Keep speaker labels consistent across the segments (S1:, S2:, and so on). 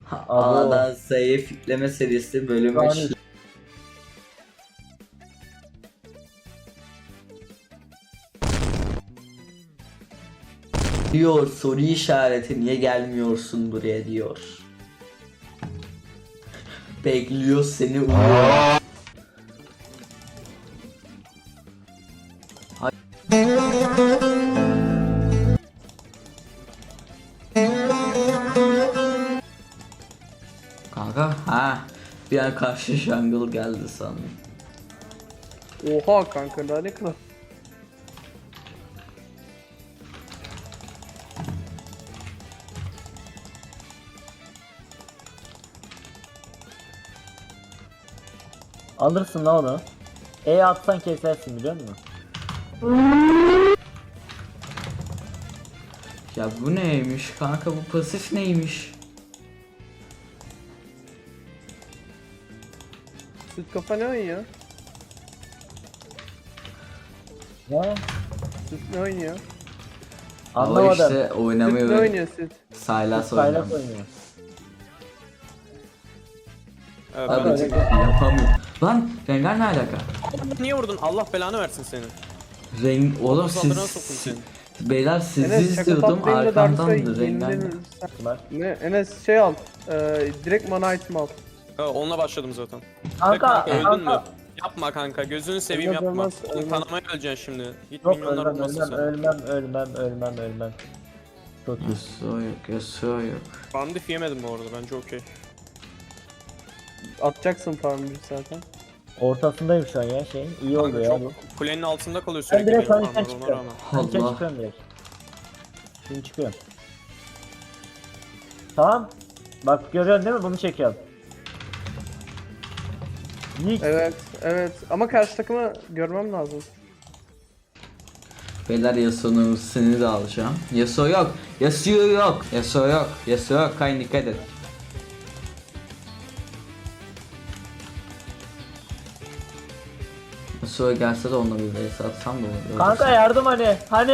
S1: Abo.
S2: A'dan Z'ye fitleme serisi bölüm
S1: Yani
S2: 3. Diyor soru işareti niye gelmiyorsun buraya diyor. Bekliyor seni uyuyor. Kanka ha bir an karşı jungle geldi sandım.
S3: Oha kanka daha ne kadar.
S1: alırsın la onu. E atsan kesersin biliyor musun?
S2: Ya bu neymiş kanka, bu pasif neymiş?
S3: Süt kafa ne oynuyor?
S1: Ne?
S3: Süt ne oynuyor?
S2: O
S1: Anlamadım.
S2: işte
S3: Süt
S2: oynamayı
S3: ne oynuyor süt?
S2: Saylas
S1: Saylas
S2: oynuyor.
S1: oynuyor.
S3: Evet,
S2: Abi
S3: ben...
S2: yapamıyor. Lan Rengar ne alaka?
S4: Niye vurdun? Allah belanı versin seni.
S2: Oğlum
S4: Saldırına soktum
S2: siz
S4: seni.
S2: beyler sizi
S3: Enes şaka
S2: izliyordum
S3: patlayınca
S2: arkamdandı
S3: Darkseid'e
S2: Rengar.
S3: yeniden...
S1: Var.
S3: Ne? Enes şey al. Direkt mana item al.
S4: Ha, onunla başladım zaten.
S1: Kanka,
S4: Öldün mü?
S1: kanka.
S4: Yapma kanka, gözünü seveyim
S3: Ölmez,
S4: yapma.
S3: ölmez,
S4: Oğlum
S3: ölmez.
S4: kanamaya öleceksin şimdi. Git
S1: Yok
S4: milyonlar
S1: ölmem
S4: olmasın
S1: ölmem
S4: sen.
S1: ölmem. Çok iyi.
S2: Yasuo yok, Yasuo yok.
S4: Bandif yemedim bu arada, bence okey.
S3: Atacaksın farmı zaten.
S1: Ortasındayım şu an ya şey. İyi oldu
S4: Kanka
S1: ya.
S4: çok kulenin altında kalıyor
S1: Ben
S4: sürekli
S1: direkt
S4: benim
S1: panikten
S4: farmlar ona
S1: çıkıyorum.
S4: rağmen.
S1: Panikten
S2: Allah.
S1: çıkıyorum direkt. Şimdi çıkıyorum. Tamam. Bak görüyorsun değil mi? Bunu çekiyorum. Nick.
S3: Evet. Ama karşı takımı görmem lazım.
S2: Beyler Yasuo'nun ultisini de alacağım. Yasuo yok. Yasuo yok. Kayn dikkat et. Yasuo gelse de onunla bir vs atsam da olur.
S1: Kanka yardım hani. Hani.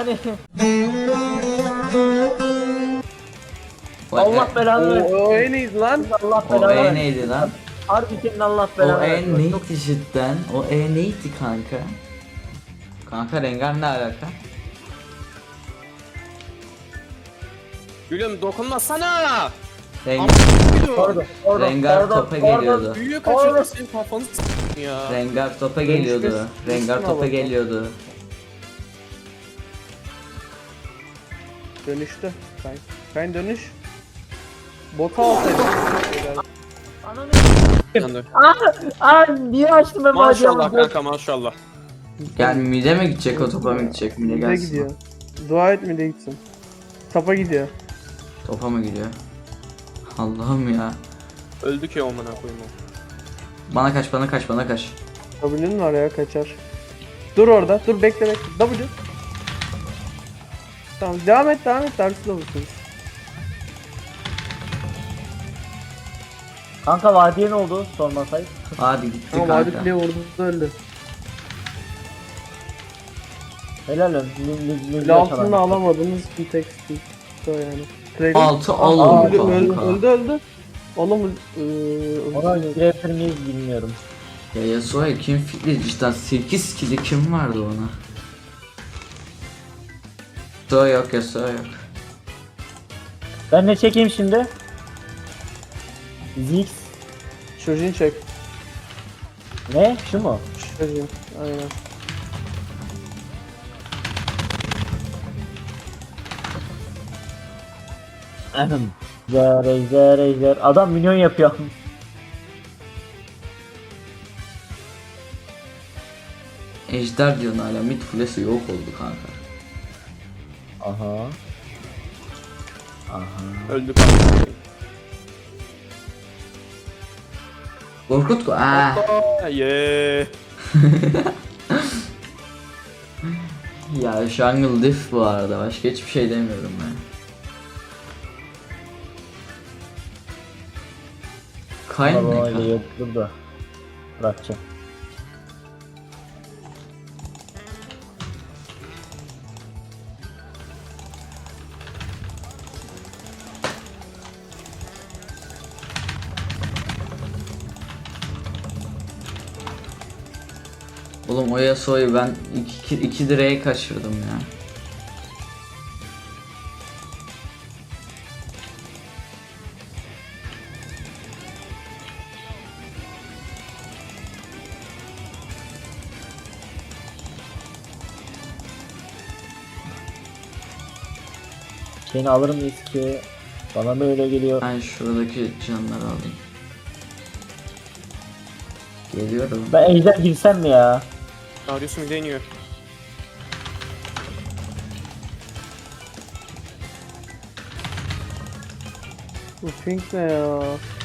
S1: Allah belanı versin.
S3: O en iyiydi lan.
S1: Allah
S2: O
S1: belanı
S2: E
S1: versin.
S2: neydi lan?
S1: Harbi senin Allah
S2: O
S1: belanı
S2: E
S1: versin.
S2: neydi cidden? O E neydi kanka? Kanka Rengar ne alaka?
S4: Gülüm dokunmasana!
S2: Rengar, Rengar topa geliyordu.
S4: Büyüğü
S1: Oğlum.
S4: kaçırdı, senin kafanı s**tim ya.
S2: Rengar topa geliyordu. Rengar topa geliyordu.
S3: Dönüştü. Kayn dönüş. Bota alsaydı.
S4: Yandı.
S1: Aa niye açtım ben
S4: Maşallah
S1: bacağımı?
S4: kanka maşallah.
S2: Gel mide mi gidecek o topa mı gidecek? Mide
S3: Mide
S2: gelsin.
S3: gidiyor. Dua et mide gitsin. Tapa gidiyor.
S2: Topa mı gidiyor? Allah'ım ya.
S4: Öldü ki amına koyayım o.
S2: Bana kaç.
S3: W'nin var ya kaçar. Dur orada. Dur bekle. W. Tamam devam et. Dersi de olursun.
S1: Kanka vadiye ne oldu? Sormasaydı.
S2: Hadi gitti
S3: Ama
S2: kanka.
S3: Vadi bile vurdu öldü.
S1: Helal olsun.
S3: Bile altını alamadınız bir tek o yani. Trailing.
S2: Altı
S3: Aa,
S2: alın
S3: öldü.
S2: kanka.
S3: Oğlum
S1: Ona grafer miyiz bilmiyorum.
S2: Ya Yasuo'ya kim fitli cidden 8 kili kim vardı ona? Yasuo yok.
S1: Ben ne çekeyim şimdi? Zix.
S3: Şojin çek.
S1: Ne? Şu mu?
S3: Şojin. Aynen.
S1: Ahem. Ejder. Adam minyon yapıyor.
S2: Ejder diyorsun hala, mid kulesi yok oldu kanka.
S1: Aha.
S4: Öldü kanka.
S2: Korkut ko
S4: Yeee.
S2: Ya jungle diff bu arada, başka hiçbir şey demiyorum ben. Kayn ne
S1: Baba
S2: kanka?
S1: yok dur da. Bırakacağım.
S2: Oğlum o Yasuo'yu ben iki direğe kaçırdım ya.
S1: Seni alır mıyız ki? Bana mı öyle geliyor?
S2: Ben şuradaki canları alayım. Geliyorum.
S1: Ben ejder girsem mi ya?
S4: Darius mu deniyor?
S3: Bu pink ne ya?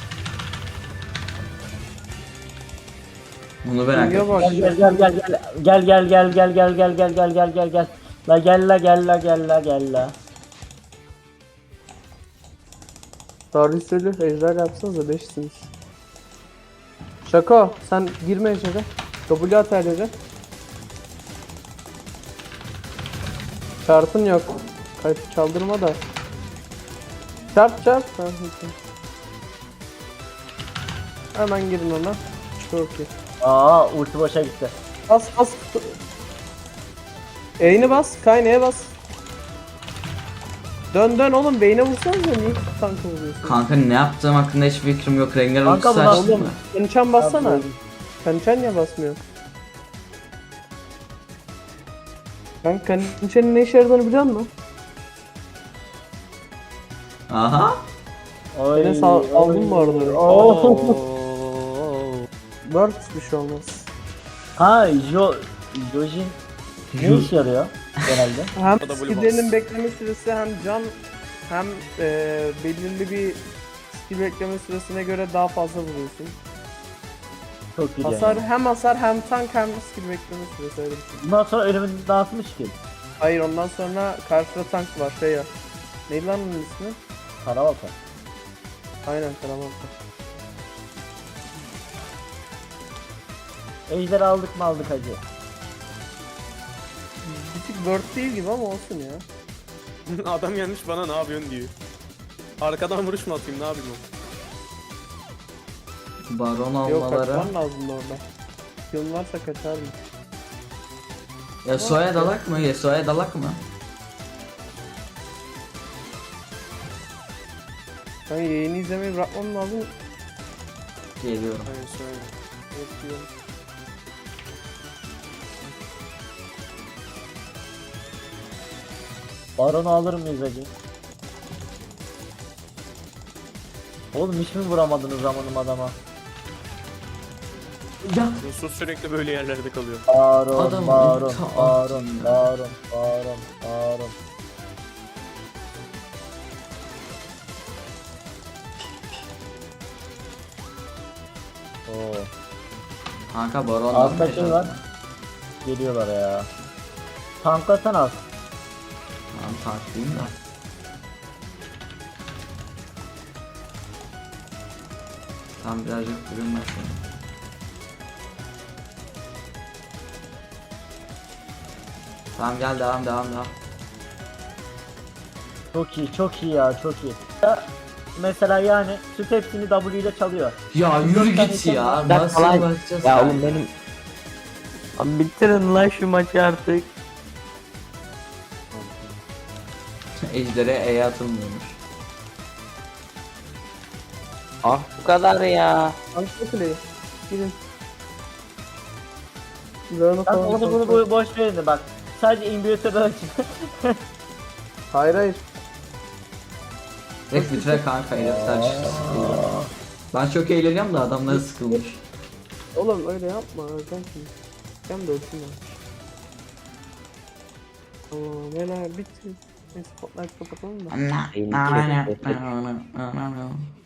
S2: Bunu merak
S3: Pink'e
S2: ettim.
S3: bak
S1: Gel
S3: ya.
S1: gel gel gel gel gel gel gel gel gel gel gel gel gel. La gel la gel la gel la gel la.
S3: Darius ölü ejder yapsanıza 5'siniz. Şaka sen girme ejdere. W at her yere. Çarpın yok. Kayıp çaldırma da. Çarp çarp. Ha, peki. Hemen girin ona. Çok iyi.
S1: Aa ulti boşa gitti.
S3: Bas bas. E'ni bas. Kaynaya bas. Dön dön oğlum beyne vursanız da niye tankı vuruyorsun?
S2: Kanka ne yaptığım hakkında hiçbir fikrim yok. Rengar
S1: Kanka
S2: ultisi
S1: bu
S2: açtı
S3: Oğlum
S2: mı?
S3: Kançan bassana.
S1: Abi,
S3: Kançan niye basmıyor? Ben Kançan'ın ne işe yaradığını biliyor musun?
S2: Aha.
S1: Oy,
S3: Enes aldın mı orada?
S1: Oo.
S3: Word bir şey olmaz.
S1: Ha Jojin ne işe yarıyor genelde?
S3: Hem
S4: O da blue
S3: skill'lerinin
S4: box.
S3: bekleme süresi hem can hem belirli bir skill bekleme süresine göre daha fazla vuruyorsun.
S1: Çok güzel.
S3: Hasar hem hasar hem tank hem skill bekleme süresi öyle bir şey.
S1: Bundan sonra ölümün dağıtmış ki.
S3: Hayır ondan sonra karşıda tank var şey ya. Neydi lan onun ismi?
S1: Karabalta.
S3: Aynen Karaman'da.
S1: Ejder aldık mı aldık hacı.
S3: Bir tık word değil gibi ama olsun ya.
S4: Adam gelmiş bana ne yapıyorsun diyor. Arkadan vuruş mu atayım ne yapayım o?
S2: Baron
S3: Yok
S2: almaları.
S3: kaçman lazım orada. Skill'in varsa kaçardın.
S2: Yasuo'ya dalak mı? Yasuo'ya dalak mı?
S3: Ben yayını izlemeyi bırakmam lazım.
S2: Geliyorum.
S4: Aynen söyle.
S3: Bekliyorum.
S1: Baron'u alır mıyız hacı? Oğlum hiç mi vuramadınız zamanım adama?
S2: Ya.
S4: Yusuf sürekli böyle yerlerde kalıyor.
S1: Baron,
S2: Adam
S1: Baron,
S2: ulti
S1: Baron,
S2: attı ya.
S1: Baron, Baron, Baron. Oo.
S2: Kanka Baron
S1: Altta şey var. Geliyorlar ya. Tanklasan az.
S2: Tamam taktiğim da. Tam birazcık durun başlayalım. Tamam gel devam.
S1: Çok iyi, çok iyi ya, çok iyi. Ya, mesela yani süt hepsini W ile çalıyor.
S2: Ya yürü git ya.
S5: Bak
S2: Nasıl
S5: falan.
S2: bakacağız?
S5: Ya oğlum benim... Abi bitirin lan şu maçı artık.
S2: Ejder'e E atılmıyormuş.
S5: Ah bu kadar ya.
S3: Tank kuleyi. Girin. Leon'u
S1: Ben
S3: falan
S1: onu bunu boş verin de bak. Sadece inhibitörü açın.
S3: Hayır hayır.
S2: Direkt bitire kanka herifler sıkıldı. Ben çok eğleniyorum da adamlar sıkılmış.
S3: Oğlum öyle yapma. Öldüm şimdi. Sen de ölsün ya. Tamam neler bitti. Neyse spotlight kapatalım da.
S5: Eğlenceli.